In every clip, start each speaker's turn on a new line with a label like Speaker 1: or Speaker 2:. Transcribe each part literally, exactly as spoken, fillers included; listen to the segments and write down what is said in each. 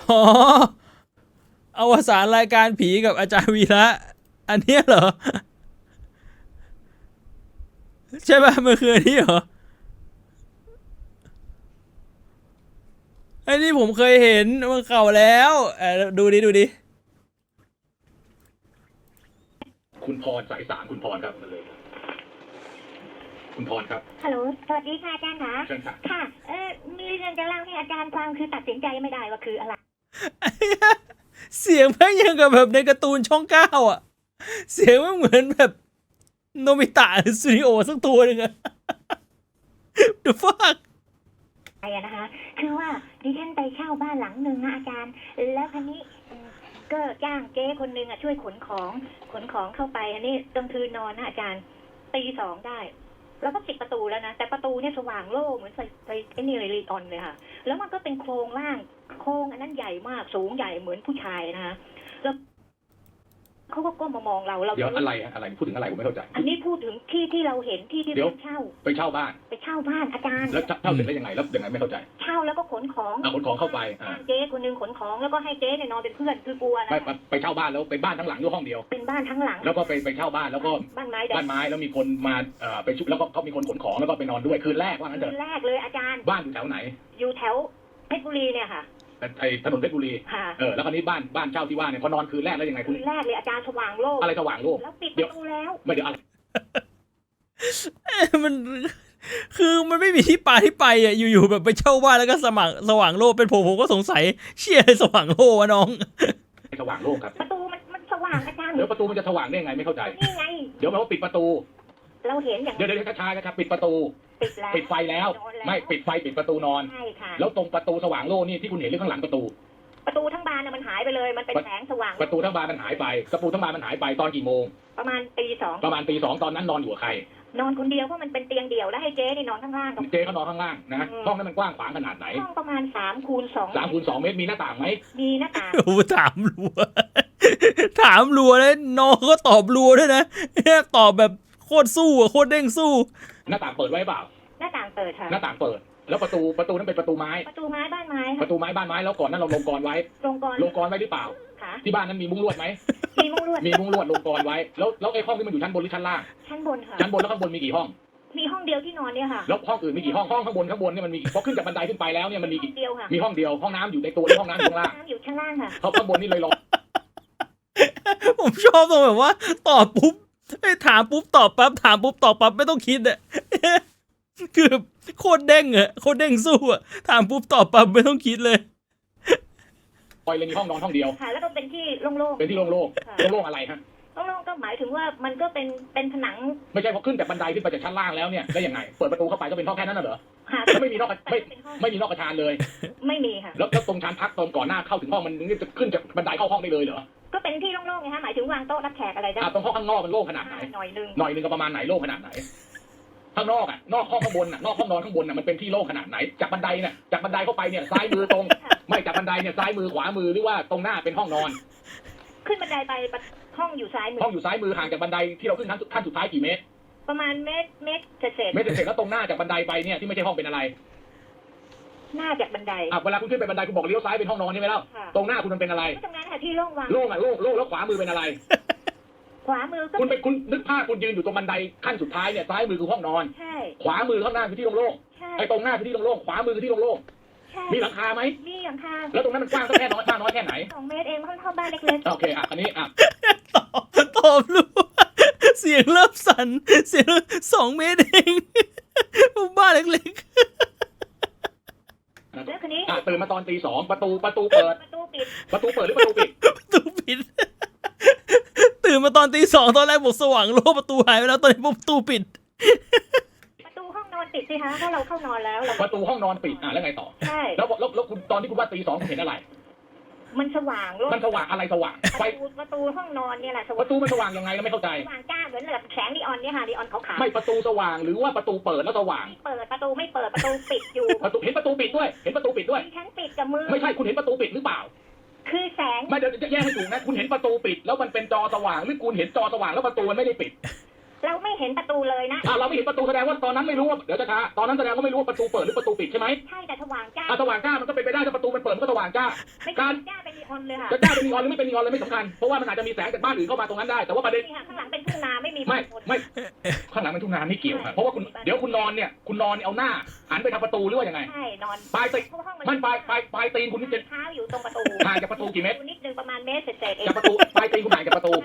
Speaker 1: อ๋ออวสานรายการผีกับอาจารย์วีระอันเนี้ยเหรอใช่ป่ะมันคืออันนี้เหรอไอ้นี่ผมเคยเห็นมันเก่าแล้วเออดูดิดูดิ
Speaker 2: คุณพรสายสามคุณพรครับมาเลยคุณพรครับ
Speaker 3: ฮัลโหล สวัสดีค่ะอาจารย์คะ
Speaker 2: เชิญค่ะ
Speaker 3: ค่ะ เออมีเรื่องจะเล่าให้อาจารย์ฟังคือตัดสินใจไม่ได้ว่าคืออะไร
Speaker 1: เสียงแม่งยังกับแบบในการ์ตูนช่องเก้าอ่ะเสียงมันเหมือนแบบโนบิตะสตูดิโอสักตัวหนึ่งอะ The fuck
Speaker 3: ไอ้นะคะ คือว่าดิฉันไปเช่าบ้านหลังหนึ่งนะอาจารย์ แล้วคันนี้ก็จ้างเจ๊คนหนึ่งอ่ะช่วยขนของขนของเข้าไปอันนี้กลางคืนนอนนะอาจารย์ตีสองได้ แล้วก็ปิดประตูแล้วนะแต่ประตูเนี่ยสว่างโล่เหมือนไฟไฟไอ้นี่เลยรีออนเลยค่ะแล้วมันก็เป็นโครงล่างโครงอันนั้นใหญ่มากสูงใหญ่เหมือนผู้ชายนะคะแล้วเขาก็ก้มมามองเราเรา
Speaker 2: เดี๋ยวอะไรอะไรพูดถึงอะไรผมไม่เข้าใจ
Speaker 3: อันนี้พูดถึงที่ที่เราเห็นที่ที่เราเช่า
Speaker 2: ไปเช่าบ้าน
Speaker 3: ไปเช่าบ้านอาจารย์
Speaker 2: แล้วเช่าเสร็จแล้วยังไงแล้วยังไงไม่เข้าใจ
Speaker 3: เช่าแล้วก็ขนของ
Speaker 2: เอาขนของเข้าไปอ่า
Speaker 3: เจ๊คนนึงขนของแล้วก็ให้เจ๊เนี่ยนอนเป็นเพื่อนคือกลัวนะ
Speaker 2: ไปไปเช่าบ้านแล้วเป็นบ้านทั้งหลังด้วยห้องเดียว
Speaker 3: เป็นบ้านทั้งหลัง
Speaker 2: แล้วก็ไปไปเช่าบ้านแล้วก็
Speaker 3: บ้านไม้
Speaker 2: บ้านไม้แล้วมีคนมาเอ่อไปชุบแล้วก็เขามีคนขนของแล้วก็ไปนอนด้วยคืนแรกว่างั้นเถ
Speaker 3: คื
Speaker 2: อะ
Speaker 3: นแรกเลยอาจารย์
Speaker 2: บ้านอยู่แถวไหน
Speaker 3: อยู่แถวเพชรบุรีเนี่ยค่ะ
Speaker 2: ไอ้ถนนเพชรบุรีเออแล้วคราวนี้บ้านบ้านเช่าที่ว่าเนี่ยพอนอนคืนแรกแล้วยังไง
Speaker 3: คืนแรกเลยอาจารย์สว่างโลก
Speaker 2: อะไรสว่างโลก
Speaker 3: แล้วปิดประตูแล้ว
Speaker 2: ไม่เดี๋ยวอะไร
Speaker 1: มันคือมันไม่มีที่ปาที่ไปอ่ะอยู่ๆแบบไปเช่าบ้านแล้วก็สมัครสว่างโลกเป็นผมผมก็สงสัยเชี่ยอะไรสว่างโลกวะน้อง
Speaker 2: สว่างโลกครับ
Speaker 3: ประตูมันมันสว่างอาจารย์
Speaker 2: เดี๋ยวประตูมันจะสว่างได้ยังไงไม่เข้าใจ
Speaker 3: นี่ไง
Speaker 2: เดี๋ยวมันว่าปิดประตู
Speaker 3: เราเห็นอย่าง
Speaker 2: เดี๋ยวเดี๋ยวช้าๆนะครับปิดประตู
Speaker 3: ปิดแล้ว
Speaker 2: ปิดไฟแล้วไม่ปิดไฟปิดประตูนอน
Speaker 3: ใช่ค่ะ
Speaker 2: แล้วตรงประตูสว่างโลกนี่ที่คุณเห็นหรือข้างหลังประตู
Speaker 3: ประตูทั้งบานน่ะมันหายไปเลยมันเป็นแสงสว่าง
Speaker 2: ประตูทั้งบานมันหายไปประตูทั้งบานมันหายไปตอนกี่โมง
Speaker 3: ประมาณตีสอง
Speaker 2: ประมาณตีสองตอนนั้นนอนอยู่กับใคร
Speaker 3: นอนคนเดียวเพราะมันเป็นเตียงเดี่ยวแล้วให้เจ๊นี่นอนข้างล่าง
Speaker 2: เจ๊เขานอนข้างล่างนะห้องนั้นมันกว้างขวางขนาดไหน
Speaker 3: ห้องประมาณสามคูณสอง
Speaker 2: สามคูณสองเมตรมีหน้าต่างไหม
Speaker 3: มีหน้าต่าง
Speaker 1: โอ้ถามรัวถามรัวแล้วน้องก็ตอบรัวด้วยนะตอบแบบโคตรสู้อะโคตรเด้งสู้
Speaker 2: หน้าต่างเปิดไว้เปล่า
Speaker 3: หน้าต่างเปิดค่ะ
Speaker 2: หน้าต่างเปิดแล้วประตูประตูนั้นเป็นประตูไม้
Speaker 3: ประตูไม้บ้านไม้
Speaker 2: ประตูไม้บ้านไม้แล้วก่อนนั้นเราลงกรไว้
Speaker 3: ลงกร
Speaker 2: ลงกรไว้หรือเปล่าที่บ้านนั้นมีมุ้งลวดไหม
Speaker 3: มีมุ้งลวด
Speaker 2: มีมุ้งลวดลงกรไว้แล้วแล้วไอ้ห้องที่มันอยู่ชั้นบนหรือชั้นล่าง
Speaker 3: ชั้นบนค่ะ
Speaker 2: ชั้นบนแล้วข้างบนมีกี่ห้อง
Speaker 3: มีห้องเดียวที่นอนเนี่ยค่ะ
Speaker 2: แล้วห้องอื่นมีกี่ห้องห้องข้างบนข้างบนเนี่ยมันมีพอขึ้นจากบันไดขึ้นไปแล้วเนี่ยมันมี
Speaker 3: กี่เดียวค่ะ
Speaker 2: มีห้องเดียวห้องน้ำอยู่ในตัวแล้วห้องน้ำอยู่ข้างล่าง
Speaker 3: น้ำอยู่ชั้นล่างค่ะ
Speaker 2: เขาข้างบนนี่เลยรอ
Speaker 1: ผมชอบตรงแบบว่าตอบปุ๊บถามปุ๊บตอบปั๊บถามปุ๊บตอบปั๊บไม่ต้องคิดอะคือโคตรเด้งอะโคตรเด้งสู้อะถามปุ๊บตอบปั๊บไม่ต้องคิดเลย
Speaker 2: ปล่อยเลยมีห้องนอนห้องเดียว
Speaker 3: ค่ะแล้วก็เป็นที่โล่งๆ
Speaker 2: เป็นที่โล่งๆโล่งๆอะไรฮะ
Speaker 3: โล่งๆก็หมายถึงว่ามันก็เป็นเป็นผนัง
Speaker 2: ไม่ใช่พอขึ้นจากบันไดขึ้นไปจากชั้นล่างแล้วเนี่ยได้ยังไงเปิดประตูเข้าไปก็เป็นห้องแค่นั้นน่ะเหรอแล้วไม่มีนอกไม่ไม่มีนอกกระชานเลย
Speaker 3: ไม่มีค่ะ
Speaker 2: แล้วตรงชั้นพักตอนก่อนหน้าเข้าถึงห้องมันจะขึ้นจากบันไดเข้าห้องได้เลยเหรอ
Speaker 3: ก็เป็นที่โล่งๆไงฮะหมายถึงวางโต๊ะรับแขกอะไรได้
Speaker 2: ตรงห้องข้างนอกมันโล่งขนาดไหน
Speaker 3: หน่อยนึง
Speaker 2: หน่อยนึงก็ประมาณไหนโล่งขนาดไหนข้างนอกอ่ะนอกห้องข้างบนอ่ะนอกห้องนอนข้างบนอ่ะมันเป็นที่โล่งขนาดไหนจากบันไดเนี่ยจากบันไดเข้าไปเนี่ยซ้ายมือตรงไม่จากบันไดเนี่ยซ้ายมือขวามือหรือว่าตรงหน้าเป็นห้องนอน
Speaker 3: ขึ้นบันไดไปห้องอยู่ซ้ายมือ
Speaker 2: ห้องอยู่ซ้ายมือห่างจากบันไดที่เราขึ้นขั้นขั้นสุดท้ายกี่เมตร
Speaker 3: ประมาณเมตรเมตรเศษ
Speaker 2: เมตรเศษแล้วตรงหน้าจากบันไดไปเนี่ยที่ไม่ใช่ห้องเป็นอะไร
Speaker 3: หน้าจากบันได
Speaker 2: อ่ะเวลาคุณขึ้นไปบันไดคุณบอกเลี้ยวซ้ายเป็นห้องนอนใช่ไหมล่ะตรงหน้าคุณมันเป็นอะไร
Speaker 3: ตรงนั้นค่ะที่โล่งว่าง
Speaker 2: โล่งอ่ะโล่งโล่งแล้วขวามือเป็นอะไร
Speaker 3: ขวามือ
Speaker 2: คุณไปคุณนึกภาพคุณยืนอยู่ตรงบันไดขั้นสุดท้ายเนี่ยซ้ายมือคือห้องนอน
Speaker 3: ใช่
Speaker 2: ขวามือข้างหน้าคือที่โล่งๆไอ้ตรงหน้าคือที่โล่งๆขวามือคือที่โล่งๆมีหลังคาไหม
Speaker 3: มีหลังคา
Speaker 2: แล้วตรงนั้นมันกว้างแค่น้อยมากน้อยแค่ไหน
Speaker 3: สองเมตรเองมันเท่าบ้านเล็กๆ
Speaker 2: โอเคอ่ะอันนี้อ่ะ
Speaker 1: ตอบตอบรู้เสียงเริ่มสั่นเสียงสองเมตรเองบ้านเล็ก
Speaker 3: ๆแล้วคืนนี้
Speaker 2: อ่ะตื่นมาตอนตีสองประตูประตูเปิด
Speaker 3: ประตูปิด
Speaker 2: ประตูเปิดหรือประตูปิด
Speaker 1: ประตูปิดตื่นมาตอนตีสองตอนแรกบอกสว่างโลกประตูหายไปแล้วตอนนี้ประตูปิด
Speaker 3: ประตูห้องนอนปิดสิคะเพราะเราเข้านอนแล้ว
Speaker 2: ประตูห้องนอนปิดอ่ะแล้วไงต่อ
Speaker 3: ใช่
Speaker 2: แล้วแล้วแล้วคุณตอนที่คุณว่าตีสองคุณเห็นอะไร
Speaker 3: มันสว่างโลก
Speaker 2: มันสว่างอะไรสว่าง
Speaker 3: ไฟประตูห้องนอนเนี่ยแหละ
Speaker 2: ประตูมันสว่างยังไงเราไม่เข้าใจ
Speaker 3: สว่างจ้าเหมือนแบบแสงนีออนเนี่ยค่ะนีออนขาว
Speaker 2: ๆไม่ประตูสว่างหรือว่าประตูเปิดแล้วสว่าง
Speaker 3: เปิดประตูไม่เปิดประตูปิดอยู่
Speaker 2: ประตูเห็นประตูปิดด้วยเห็นประตูปิดด้วย
Speaker 3: ฉันปิดกับมือ
Speaker 2: ไม่ใช่คุณเห็นประตูปิดหรือเปล่า
Speaker 3: คือแสง
Speaker 2: ไม่เดี๋ยวจะแยกให้ถูกนะคุณเห็นประตูปิดแล้วมันเป็นจอสว่างหรือคุณเห็นจอสว่างแล้วประตูมันไม่ได้ปิด
Speaker 3: เราไม่เห็นประตูเลยนะ
Speaker 2: อ่าเราไม่เห็นประตูแสดงว่าตอนนั้นไม่รู้ว่าเดี๋ยวจะช้าตอนนั้นแสดงว่าไม่รู้ว่าประตูเปิดหรือประตูปิดใช่ไหม
Speaker 3: ใช่แต่สว่างจ้า
Speaker 2: อ่าสว่างจ้ามันก็เป็นไปได้ถ้าประตูมันเปิดมันก็สว่างจ้า
Speaker 3: ไม่
Speaker 2: การ
Speaker 3: จ้าเป็นนีออนเลยค่ะ
Speaker 2: จะจ้าเป็นนีออนหรือไม่เป็นนีออนเลยไม่สำคัญเพราะว่ามันอาจจะมีแสงจากบ้านอื่นเข้ามาตรงนั้นได้แต่ว่าประเด็น
Speaker 3: นี่ค่ะข้างหลังเป็นทุ่งนาไม่มี
Speaker 2: ไม่
Speaker 3: คน
Speaker 2: ไม่ข้างหลังมันทุ่งนาไม่เกี่ยวครับเพราะว่าคุณเดี๋ยวคุณนอนเนี่ยคุณนอนเอาหน้าหันไปทางประตูหรือว่ายังไง
Speaker 3: ใช่นอน
Speaker 2: ปลายตีน
Speaker 3: เพราะห้อง
Speaker 2: มันปลายปลายปลายตีนคุณนี่จะ
Speaker 3: เท้าอยู่ตรงประตู
Speaker 2: ห่างจากประตูกี่เมตร
Speaker 3: นิดนึงประมาณเมตรเศษๆเอง
Speaker 2: จากประตูปลายตีนคุณห่างจากประตู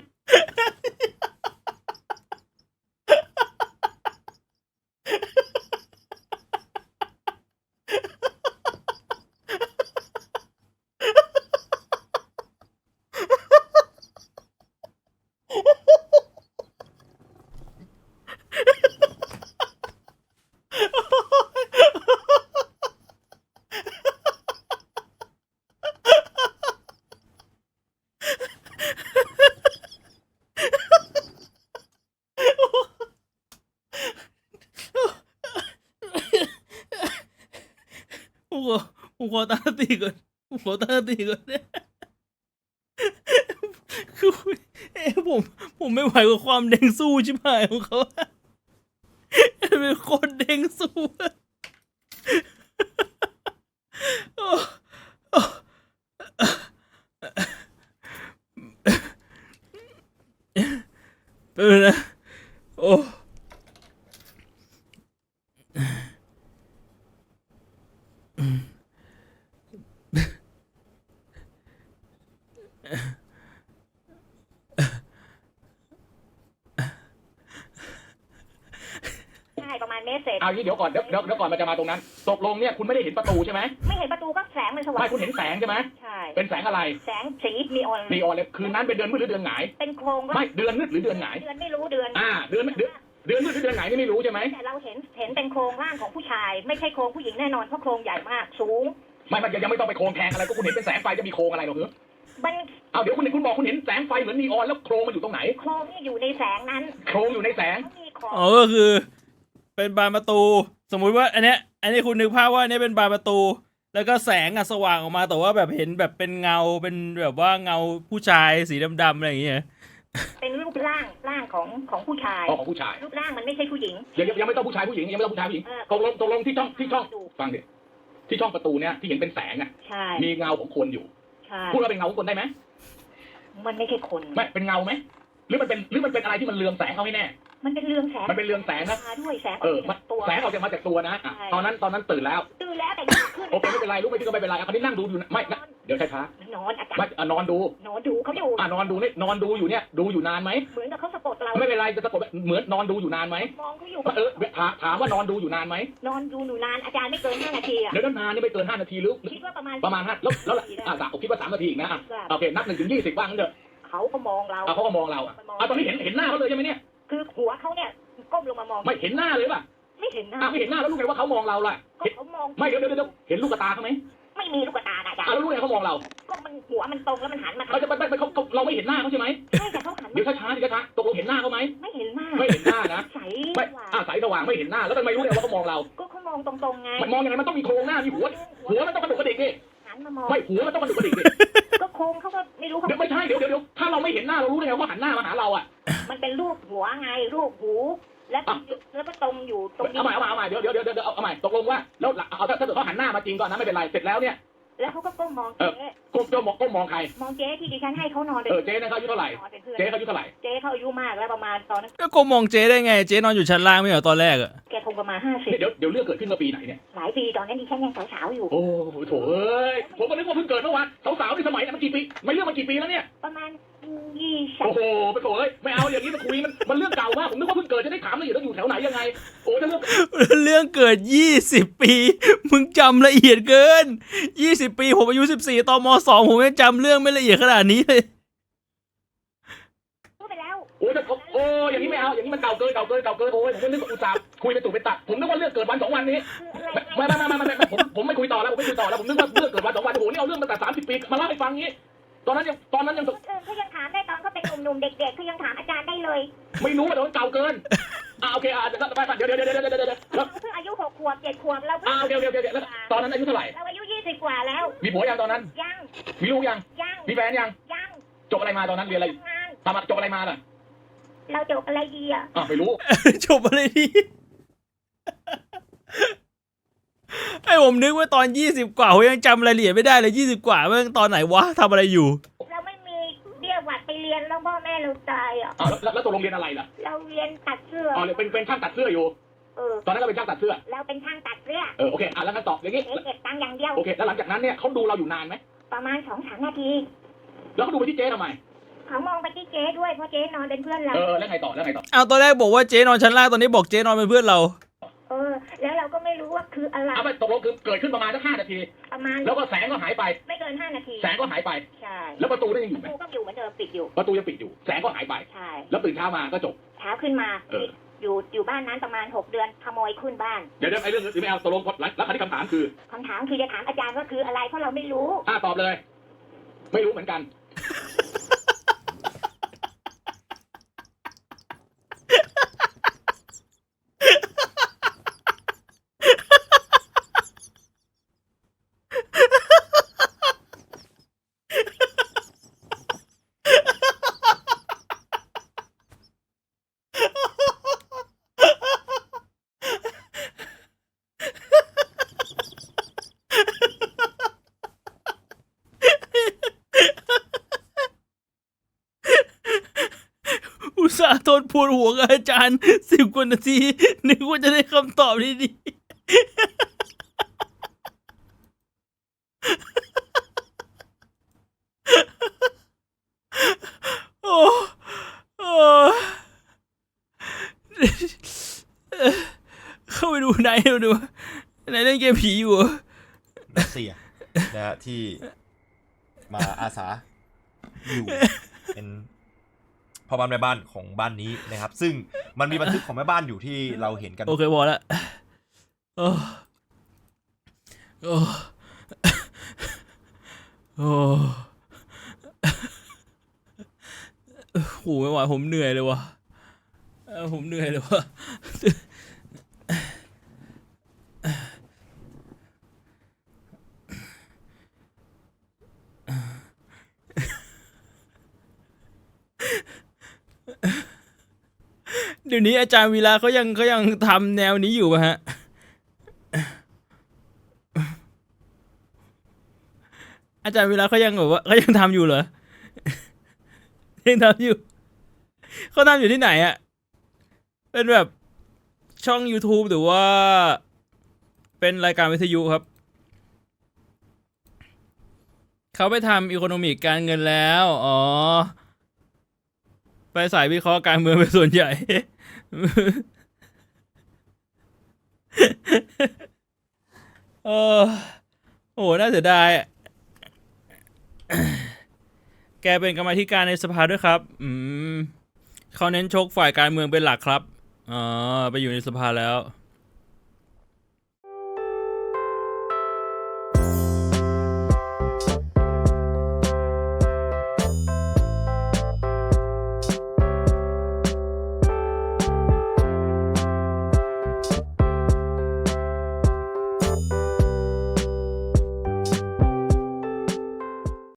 Speaker 1: ผมขอผมขอตั้งสติก่อนผมขอตั้งสติก่อนเนี่ยคือเอ้ผมผมไม่ไหวกับความเด้งสู้ชิบหายของเขาเป็นคนเด้งสู้โอ้โอ้เป็นนะโอ้
Speaker 3: ใช่ประมาณเมตรเศษ
Speaker 2: เอางี้เดี๋ยวก่อนเดี๋ยวเดี๋ยวเดี๋ยวก่อนมันจะมาตรงนั้นตกลงเนี่ยคุณไม่ได้เห็นประตูใช่ไหม
Speaker 3: ไม่เห็นประตูก็แสงมันสว่าง
Speaker 2: ไม่คุณเห็นแสงใช่ไหม
Speaker 3: ใช่
Speaker 2: เป็นแสงอะไร
Speaker 3: แสงสีนีออน
Speaker 2: นีออนเลยคืนนั้นเป็นเดือนมืดหรือเดือนหงาย
Speaker 3: เป็นโครงก็
Speaker 2: ไม่เดือนมืดหรือเดือนหงาย
Speaker 3: เดือนไม่รู้เดือน
Speaker 2: อ่าเดือนเดือนเดือนมืดหรือเดือนหงายนี่ไม่รู้ใช่ไหม
Speaker 3: แต่เราเห็นเห็นเป็นโครงร่างของผู้ชาย ไม่ใช่โครงผู้หญิงแน่นอนเพราะโครงใหญ่มากสูง
Speaker 2: ไม่มันยังไม่ต้องไปโครงแทงอะไรก็คุณเห็นเป็นแสงไฟจะมีโครงอะไรหรอกเหรอ
Speaker 3: มัน
Speaker 2: เอาเดี๋ยวคุณคุณบอกคุณเห็นแสงไฟเหมือนนีออนแล้วโครงมันอยู่ตรงไหน
Speaker 3: โครงที่อยู่ในแสงนั้น
Speaker 2: โครงอยู่ในแสง
Speaker 3: เขามีของ
Speaker 1: อ๋อก็คือ เป็นบานประตู สมมุติว่า อันเนี้ยอันนี้คุณนึกภาพว่าอันนี้เป็นบานประตู แล้วก็แสงอะสว่างออกมาแต่ว่าแบบเห็นแบบเป็นเงาเป็นแบบว่าเงาผู้ชายสีดำๆอะไรอย่างเงี้ย
Speaker 3: เป็นรูปร่างร่างของของผู้ชาย
Speaker 2: อ๋อของผู้ชาย
Speaker 3: รูปร่างมันไม่ใช่ผู้หญิง
Speaker 2: ยังยังยังไม่ต้องผู้ชายผู้หญิงยังไม่ต้องผู้ชายผู้หญิง
Speaker 3: เออ
Speaker 2: ตกลงตกลงที่ช่องที่ช่องฟังดิที่ช่องประตูเนี่ยที่เห็นเป็นแสงอ่ะ
Speaker 3: ใช่
Speaker 2: มีเงาของคนอยู่
Speaker 3: ใช่
Speaker 2: พูดว่าเป็นเงาของคนได้ไหม
Speaker 3: มันไม่ใช่คน
Speaker 2: ไม่เป็นเงาไหมหรือมันเป็นหรือมันเป็นอะไรที่มันเรืองแสงเขาให้แน่
Speaker 3: มันเป็นเรืองแสง
Speaker 2: มันเป็นเรืองแสงนะ
Speaker 3: มาด้วยแสง
Speaker 2: เออมัน
Speaker 3: ตัว
Speaker 2: แสงออกจากมาจากตัวนะอ่ะ
Speaker 3: ใช่
Speaker 2: ตอนนั้นตอนนั้นตื่นแล้ว
Speaker 3: ตื่นแล้วแต่ยังขึ้น
Speaker 2: โอเคไม่เป็นไรรู้ไม่ที่ก็ไม่เป็นไรอ่ะคราวนี้นั่งดูอยู่นะไม่นะเดี๋ยวช้า
Speaker 3: นอนอา
Speaker 2: ๆ
Speaker 3: จาร
Speaker 2: ไม่
Speaker 3: ย์
Speaker 2: อ่ะนอนดู
Speaker 3: นอนดูเขาอยู่
Speaker 2: อ่ะนอนดูนี่นอนดูอยู่เนี่ยดูอยู่นานไหม
Speaker 3: เหมือนกับเขาสะกดเรา
Speaker 2: ไม่เป็นไรจะสะกดเหมือนนอนดูอยู่นานไหม
Speaker 3: มองเขาอยู่
Speaker 2: เออถามถามว่านอนดูอยู่นานไหม
Speaker 3: นอนดูหนูนานอาจารย์ไม่เกินห้านาทีอะ
Speaker 2: เดี๋ยวนานนี่ไม่เกินห้านาทีหรือ
Speaker 3: คิดว่าประมาณ
Speaker 2: ประมาณห้าแล้วแล้วอ่ะผมคิดว่าสามนาทีอีกนะอ่ะโอเคนับหนึ่งถึงยี่สิบว่างั้นเถอะ
Speaker 3: เขาก็มองเรา
Speaker 2: อ่ะเขาก็มองเราอ่ะอ่ะตอนนี้เห็นเห็นหน้าเขาเลยใช่ไหมเนี่ย
Speaker 3: คือหัวเขาเนี่ยก้มลงมามอง
Speaker 2: ไม่เห็นหน้าเลยป่ะ
Speaker 3: ไม่เห็นหน้า
Speaker 2: อ่ะไม่เห็นหน้าแล้วรู้ไงว่าเขามองเราล่ะ
Speaker 3: ก็
Speaker 2: เห็น
Speaker 3: เขามอง
Speaker 2: ไม่เดี๋ยวเดี๋ยวเดี๋ยวเห็นลูกตาเขาไหม
Speaker 3: ไม่มีลูกตาอาจาร
Speaker 2: อ่ะ
Speaker 3: ย์
Speaker 2: แล้วรู้ไงเขามองเรา
Speaker 3: ก็มันหัวมันตรงแล้วมันหันมา
Speaker 2: เราจะไปไปไปเขาเขาเราไม่เห็นหน้าเขาใช่ไหม
Speaker 3: ใช่แต่เขาหัน
Speaker 2: เดี๋ยวช้าๆดิช้าๆตกลงเห็นหน้าเขาไหม
Speaker 3: ไม่เห็นหน้า
Speaker 2: ไม่เห็นหน้านะ
Speaker 3: ใส
Speaker 2: ไม่
Speaker 3: กว่า
Speaker 2: อ่ะสายสว่างไม่เห็นหน้าแล้วทำไมรู้เนี่ยว่าเขามองเรา
Speaker 3: ก็เขามองตรงๆไง
Speaker 2: มันมองยังไงมันต้องมีโครงหน้ามีหัวหัวมันต้องกระดุกกระดิกดิ
Speaker 3: หันมามอง
Speaker 2: ไม่หัวมันต้องกระดุกกระดิกดิ
Speaker 3: ก็โค้งเขาก็ไม่รู้เขา
Speaker 2: เดี๋ยวไม่ใช่เดี๋ยวเดี๋ยวเดี๋ยวถ้าเราไม่เห็นหน้าเรารู้ได้ไงว่าหันหน้ามาหาเราอ่ะ
Speaker 3: มันเป็นรูปหัวไงรูปหูแล้วแล้วก็ตรงอยู่ตรงนี้
Speaker 2: เอาใหม่เอาใหม่เอาใหม่เดี๋ยวเดี๋ยวเดี๋ยวเดี๋ยวเอาใหม่ตกลงว่าแล้วเอาถ้าเกิดเขาหันหน้ามาจริงก่อนนะไม่เป็นไรเสร็จแล้วเนี่ย
Speaker 3: แล้วเขาก็ก้มมองเจ๊
Speaker 2: ก้มก้มมองก้มมองใคร
Speaker 3: มองเจ๊ที่ดิฉันให้เขานอนเป็น
Speaker 2: เออเจ๊นะเขาอายุเท่าไหร่
Speaker 3: นอนเป็นเพื่อน
Speaker 2: เจ๊เขาอายุเท่าไหร่
Speaker 3: เจ๊เขาอายุมากแล้วประมาณตอนนั้น
Speaker 1: ก็โกมองเจ๊ได้ไง เจ๊นอนอยู่ชั้นล่างไม่เหรอตอนแรกอะ
Speaker 3: แกคงประมาณห้าสิบ
Speaker 2: เดี๋ยวเดี๋ยวเรื่องเกิดขึ้นเมื่อปีไหนเนี่ย
Speaker 3: หลายปีตอนนั้นดิฉันยังสาวๆอยู่
Speaker 2: โอ้โหโถเอ้ยผมก็นึกว่าเพิ่งเกิดเมื่อวานสาวๆในสมัยนั้นมันกี่ปีไม่เรื่องมันกี่ปีแล้วเนี่ย
Speaker 3: ประมาณยี่สิบ
Speaker 2: โอ้โหไปโถเอ้ยไม่เอาอย่างนี้มาคุยมันมันเรื่องเก่ามากผมนึกว่าเพิ่งเกิดจะได้ถามละเอียดว่าอยู่แถวไหนยังไงโอ้ถ้าเรื่อง
Speaker 1: เรื่องเกิดยี่สิบปี มึงจำละเอียดเกินยี่สิบปีผมอายุสิบสี่ตอนมสองผมยังจำเรื่องไม่ละเอียดขนาดนี้เลย
Speaker 3: พูดไปแล้ว
Speaker 2: โอ้ยโอ้ยอย่างนี้ไม่เอาอย่างนี้มันเก่าเกินเก่าเกินเก่าเกินโอ้ยผมก็นึกว่าอุตส่าห์คุยไปตุไปตัดผมนึกว่าเรื่องเกิดวันสองวันนี้
Speaker 3: คืออะไร
Speaker 2: ไม่ไม่ไม่ไม่ไม่ผมผมไม่คุยต่อแล้วผมไม่คุยต่อแล้วผมนึกว่าเรื่องเกิดวันสองวันโอ้โหนี่เอาเรื่องมาแต่สามสิบปีมาเล่าให้ฟังงี้ตอนนั้นยังตอนนั้นยัง
Speaker 3: คนอื่นเขายังถามได้ตอนเขาเป็นหนุ่มๆเด็กๆเขายังถามอาจารย์ได้เลย
Speaker 2: ไม่รู้ว่าแต่ว่าเก่าเกินอ่าโอเคอ่าเดี๋ยวไปเดี๋ยวเดี๋ยวเดี๋ยวเดี๋ยวเดี๋ยวเดี๋ยวแล้ว
Speaker 3: เพิ่งอายุหกขวบเจ็ดขวบเรา
Speaker 2: อ่าโอเคโอเคโอเคแล้วตอนนั้นอายุเท่าไหร่
Speaker 3: เราอายุยี่สิบกว่าแล้ว
Speaker 2: มีผัวยังตอนนั้น
Speaker 3: ยัง
Speaker 2: มีลูกยัง
Speaker 3: ยัง
Speaker 2: มีแฟนยัง
Speaker 3: ยัง
Speaker 2: จบอะไรมาตอนนั้นเรียนอะไร
Speaker 3: ทำงาน
Speaker 2: ทำจบอะไรมาล่ะ
Speaker 3: เราจบอะไรดีอ่ะ
Speaker 2: อ่ะไม่รู้
Speaker 1: จบอะไรดี ไอ้ผมนึกว่าตอนยี่สิบกว่าผมยังจำรายละเอียดไม่ได้เลยยี่สิบกว่าเมื่อตอนไหนวะทำอะไรอยู่
Speaker 3: เราไม่มีเบี้ยหวัดไปเรียนแล้วพ่อแม่เราตายอ่ะ
Speaker 2: อ่ะแล้วแล้วตัวโรงเรียนอะไรล่ะ
Speaker 3: เราเรียนตัดเสื้อ
Speaker 2: อ๋อเป็นเป็นช่างตัดเสื้ออยู่
Speaker 3: เออ
Speaker 2: ตอนนั้นเราเป็นช่างตัดเสื้อ
Speaker 3: เราเป็นช่างตัดเสื้อ
Speaker 2: เออโอเคอ่ะแล้วงั้นตอบอย่างงี้
Speaker 3: เอ๊ะเก็บตังค์อย่างเดียว
Speaker 2: โอเคแล้วหลังจากนั้นเนี่ยเขาดูเราอยู่นานไหม
Speaker 3: ประมาณสองสามนาที
Speaker 2: แล้วเขาดูไปที่เจ๊ทำไม
Speaker 3: เขามองไปที่เจ๊ด้วยเพราะเจ๊นอนเป็นเพื่อนเรา
Speaker 2: เออแล้วไงต่อแล้วไงต่อ
Speaker 1: เอาตอนแรกบอกว่าเจ๊นอนชั้นล่างตอนนี้บอกเจ๊นอนเป็นเพื่อนเรา
Speaker 3: เออ แล้วเราก็ไม่รู้ว่าคืออะไร
Speaker 2: เอาไปตกลงคือเกิดขึ้นประมาณสักห้านาที
Speaker 3: ประมาณ
Speaker 2: แล้วก็แสงก็หายไป
Speaker 3: ไม่เกินห้านาที
Speaker 2: แสงก็หายไป
Speaker 3: ใช่
Speaker 2: แล้วประตูนั่นยังอยู่ไหม
Speaker 3: กูก็อยู่เหมือนเดิมปิดอยู่
Speaker 2: ประตูยังปิดอยู่ แสงก็หายไป
Speaker 3: ใช่
Speaker 2: แล้วตื่นเช้ามาก็จบ
Speaker 3: เช้าขึ้นมา
Speaker 2: เออ
Speaker 3: อยู่อยู่บ้านนั้นประมาณหกเดือนขโมยขึ้นบ้าน
Speaker 2: เดี๋ยวเดี๋ยวไอ้เรื่องนี้ไม่เอาตกลงแล้วคราวนี้คำถามคือ
Speaker 3: คำถามคือจะถามอาจารย์ว่าคืออะไรเพราะเราไม่รู้
Speaker 2: อ่าตอบเลย ไม่รู้เหมือนกัน
Speaker 1: อุตส่าห์ทนปวดหัวกับอาจารย์สิบกว่านาทีนึกว่าจะได้คำตอบดีๆ โอ้โอ้เข้าไปดูไหนดูไหนเล่นเกมผีอยู่
Speaker 4: รัสเซียนะฮะที่มาอาสาอยู่เป็นพ่อบ้านแม่บ้านของบ้านนี้นะครับ ซึ่งมันมีบันทึกของแม่บ้านอยู่ที่เราเห็นกัน
Speaker 1: โอเคพอแล้วโอ้โอ้โอ้โหไม่ไหวผมเหนื่อยเลยวะเออผมเหนื่อยเลยวะเดี๋ยวนี้อาจารย์วีระเขายังเขายังทำแนวนี้อยู่ป่ะฮะ อาจารย์วีระเขายังแบบว่าเขายังทำอยู่เหรอ ยังทำอยู่เขาทำอยู่ที่ไหนอะเป็นแบบช่อง YouTube หรือว่าเป็นรายการวิทยุครับเขาไปทำอีโคโนมิกการเงินแล้วอ๋อไปสายวิเคราะห์การเมืองเป็นส่วนใหญ่ เออโอ้น่าเสียดายอะแกเป็นกรรมาธิการในสภาด้วยครับอืมเขาเน้นชกฝ่ายการเมืองเป็นหลักครับอ๋อไปอยู่ในสภาแล้ว